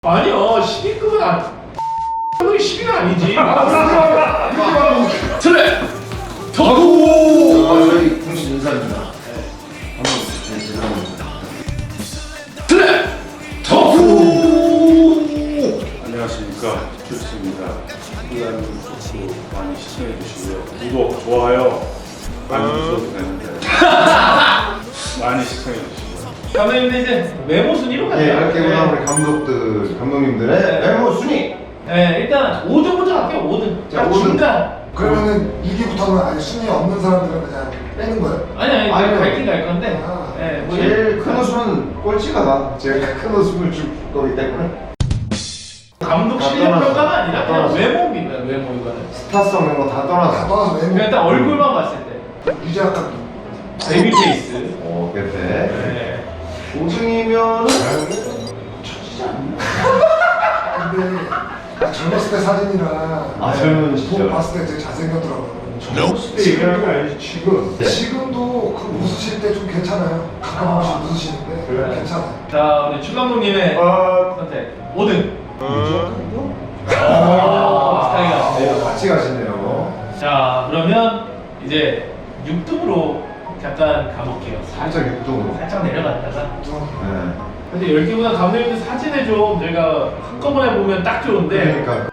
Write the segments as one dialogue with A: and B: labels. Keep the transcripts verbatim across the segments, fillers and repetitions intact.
A: 아니요, 십위급은 아니. 그게 십위는 아니지. 트랙
B: 덕후! 아, 저희 공식 인사입니다. 네. 한번 네, 죄송합니다.
A: 트랙 덕후!
C: 안녕하십니까, 큐스입니다. 이한 덕후 많이 시청해 주시고요. 구독, 좋아요 많이 주셔도 되는데 많이 시청해 주시고요.
A: 감독님들 이제 외모 순위로 가자.
B: 네, 이렇게 보면 우리 감독들, 감독님들의 외모 순위.
A: 네, 일단 오 등부터 갈게요. 오 등.
B: 자,
A: 자,
B: 오 등.
A: 중간.
D: 그러면은 이 위부터는 아예 순위 없는 사람들은 그냥 빼는 거예요?
A: 아니 아니,
B: 아니요.
A: 갈긴 갈 건데.
D: 아,
A: 네, 뭐
B: 제일 큰 웃음은 꼴찌가 나. 제일 큰 웃음을 줄 거기 때문에.
A: 감독
B: 다
A: 실력
B: 떠났어.
A: 평가가 아니라
B: 다
A: 그냥
B: 떠났어.
A: 외모입니다. 외모 이거는.
B: 스타성 이런 거 다
D: 다
B: 떠나서.
D: 떠나서 외모.
A: 그냥 일단 얼굴만 봤을 때.
D: 유재학 감독.
A: 베이비 페이스.
B: 오, 그때.
A: 네.
B: 오 등이면은
D: 처지지 않나? 근데 아, 젊었을 때 사진이랑
B: 아, 젊은
D: 보
B: 시절.
D: 봤을 때 되게 잘생겼더라고요.
C: 젊었을 때 얘기하는 거 아니지, 지금.
B: 네.
D: 지금도 그 웃으실 때 좀 괜찮아요. 가끔 한 번씩 웃으시는데
C: 그래?
D: 괜찮아요.
A: 자, 우리 추 감독님의
C: 아,
A: 선택 오 등.
B: 어.
A: 오, 스타일이 같은데요.
B: 같이 가시네요.
A: 자, 그러면 이제 육 등으로 잠깐 가볼게요.
B: 살짝 육등으로.
A: 살짝 내려갔다가.
D: 좀
B: 네.
A: 근데 열 개보다 감독님들 사진을 좀 저희가 한꺼번에 보면 딱 좋은데.
B: 그러니까.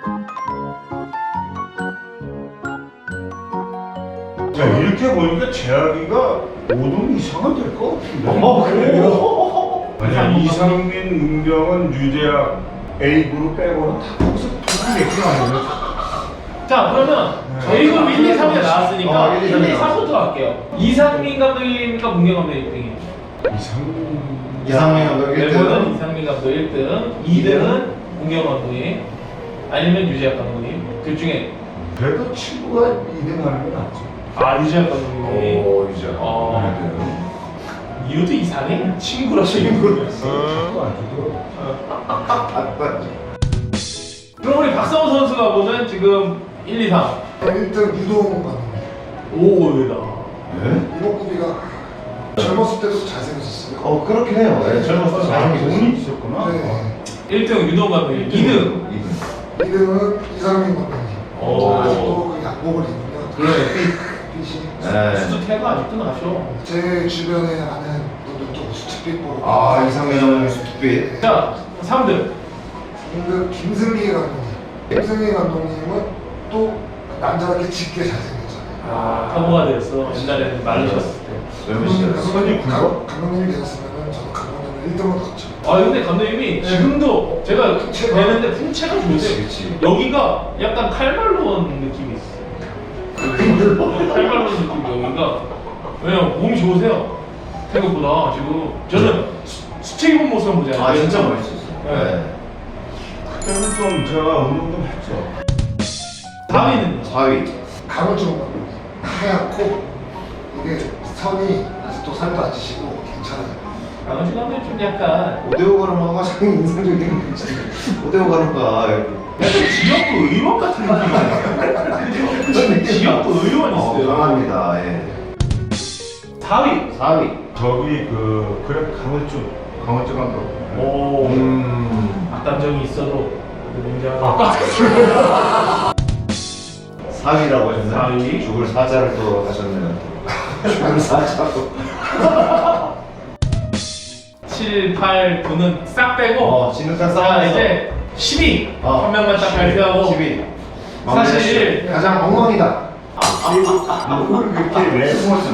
C: 자, 이렇게 보니까 재학이가 오 등 이상은 될 것 같은데.
B: 어, 그래요?
C: 아니야, 이상민, 은병은 유재학 A 그룹 빼고는 다 거기서 두분 얘기가 아니에요.
A: 자, 그러면 A그룹 일, 이, 삼이 나왔으니까
B: 어, 일, 이,
A: 일, 이,
B: 삼이
A: 삼부터 갈게요. 이상민 감독님과 문경 감독 일 등이에요.
C: 이상민.
B: 이상민 감독 일 등.
A: 멤버는 이상민 감독 일 등, 이 등은 문경 감독님, 아니면 유재학 감독님. 둘 중에
C: 그래도 친구가 이 등 하는 게 낫죠.
A: 아, 유재학 감독님.
B: 오, 이제.
A: 어. 이유도 이상해? 친구라 친구.
C: 자꾸 안 주더라고.
B: 아빠.
A: 그럼 우리 박성호 선수가 보는 지금 일, 이, 삼.
D: 일 등 유동 감독.
A: 오, 얘다.
B: 네?
D: 이목구비가 젊었을 때도 잘생겼었어요.
B: 어, 그렇긴 해요. 네, 젊었을 때
C: 아,
B: 잘생겼어요.
C: 돈이 있었구나.
D: 네.
A: 일 등 유동 감독님, 이 등.
B: 이 등.
D: 이 등은 이상민 감독님.
A: 오.
D: 아직도 그 약복을 입으면
A: 그래.
D: 빛이.
B: 네.
A: 수수태가 아직도 나셔.
D: 제 주변에 아는 분들도 수트핏 보고.
B: 아, 이상민 감독님 수트핏.
A: 자, 삼 등.
D: 그 김승기 감독님. 김승기 감독님은 또 남자답게 짙게 잘생겼잖아요.
A: 아, 터보가 되었어. 옛날에는 마르셨을 때.
B: 젊은 시절.
C: 선이 굵어?
D: 감- 감독님이 되셨으면 저도 감독님을 일 등으로 넣었죠.
A: 아, 근데 감독님이 지금도 제가 되는데 풍채가
B: 그치,
A: 좋으세요.
B: 그치.
A: 여기가 약간 칼말론 느낌이 있어요. 칼말론 느낌 여기가. 왜냐면 몸이 좋으세요. 생각보다 지금 저는 수- 수채 입은 모습 한번 보잖아요.
B: 아, 진짜 멋있었어요.
A: 네.
B: 네.
C: 그때는 좀 제가 운동 좀 했죠.
A: 사 위는
B: 사 위.
D: 강호중 감독님. 하얗고 이게 선이 아직도 살도 안 찌시고 괜찮아요.
A: 강원진 감독님 좀 약간
B: 오대오 가르마가 참 인상적인 거지. 오대오 가르마.
A: 약간 지역구 의원 같은 느낌이에요. 지역구 의원
B: 어,
A: 있어요.
B: 강합니다. 예.
A: 사 위.
B: 사 위.
C: 저기 그 그래 강원주 강원주 감독.
A: 오.
B: 음.
A: 악감정이 있어도 굉장히
B: 사 위라고 하셨나요?
A: 사 위.
B: 죽을 사자를 또 하셨네요. 죽을 사자로.
A: 칠, 팔, 구는 싹 빼고
B: 어, 진흙탕
A: 자,
B: 싸움에서.
A: 이제 십 위
B: 어,
A: 한 명만 딱
B: 십 위,
A: 발표하고
B: 십 위.
A: 사실
B: 가장 엉망이다.
C: 뭘 그렇게 내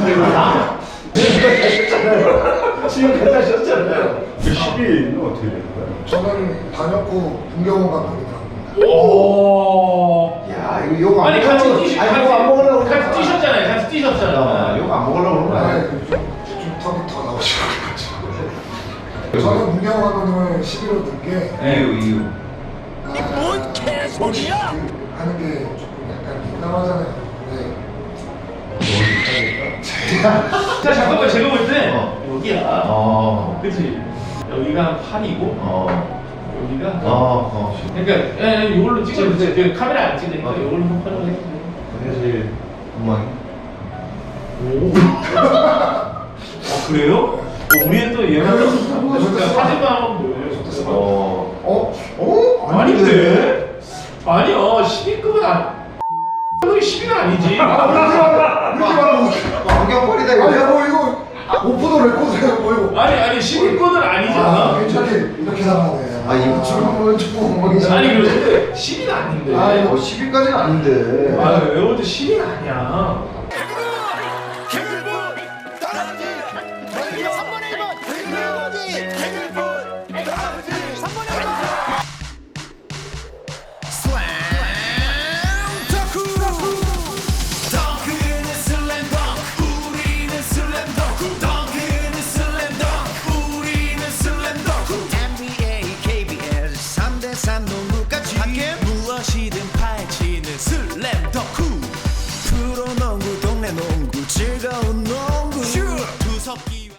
B: 지금 괜찮으셨잖아요.
C: 그 십 위는 어떻게 되는 거야?
D: 저는 단역고 문경원 감독님이라고 합니다.
A: 오.
B: 야, 이거 욕 안
A: 아니 같이 뛰시
B: 아니, 욕안 먹으려고
A: 같이 같이 뛰셨잖아요. 같이
B: 아,
A: 뛰셨잖아요.
B: 욕안 먹으려고 그런 거
D: 아,
B: 아니야?
D: 좀, 좀 턱이 더 나오시고 그래가지고. 저는 문경원 감독님을 십 위로 넣은 게
B: 이유, 이유.
D: 뭔 개소리야? 하는 게 조금 약간 민감하잖아요. 네.
A: 자, 잠깐만 제가 볼 때
B: 어.
A: 여기야.
B: 어.
A: 그치? 여기가 한 팔이고
B: 어.
A: 여기가
B: 어. 어.
A: 그러니까 예, 예, 이걸로 찍어주세요. 그 카메라 안 찍으니까
B: 어.
A: 이걸로 좀 촬영을 해주세요.
B: 그게 제일 엉망이.
A: 오. 어, 그래요? 어, 우리는 또 얘만 사진만 한번 보여요.
B: 어.
D: 어?
A: 아닌데? 아니야 십위급은 아 이 십위는 아니지.
D: 아 몰라 이렇게 말하고
B: 안경빨이다
D: 아니
B: 이거.
D: 뭐 이거 오프도 레코드야 뭐 이거
A: 아니 아니 십위급은
D: 아
A: 아니잖아.
D: 괜찮게 이렇게 나가네
B: 아 이거 지금 조금 엉망이잖아.
A: 아니 그런데 십위는 아닌데.
D: 아, 이거
B: 어 십 위까지는 아닌데.
A: 아 외울 때 십위는 아니야.
E: 개굴부 다람쥐 한 번에 일 번 개굴부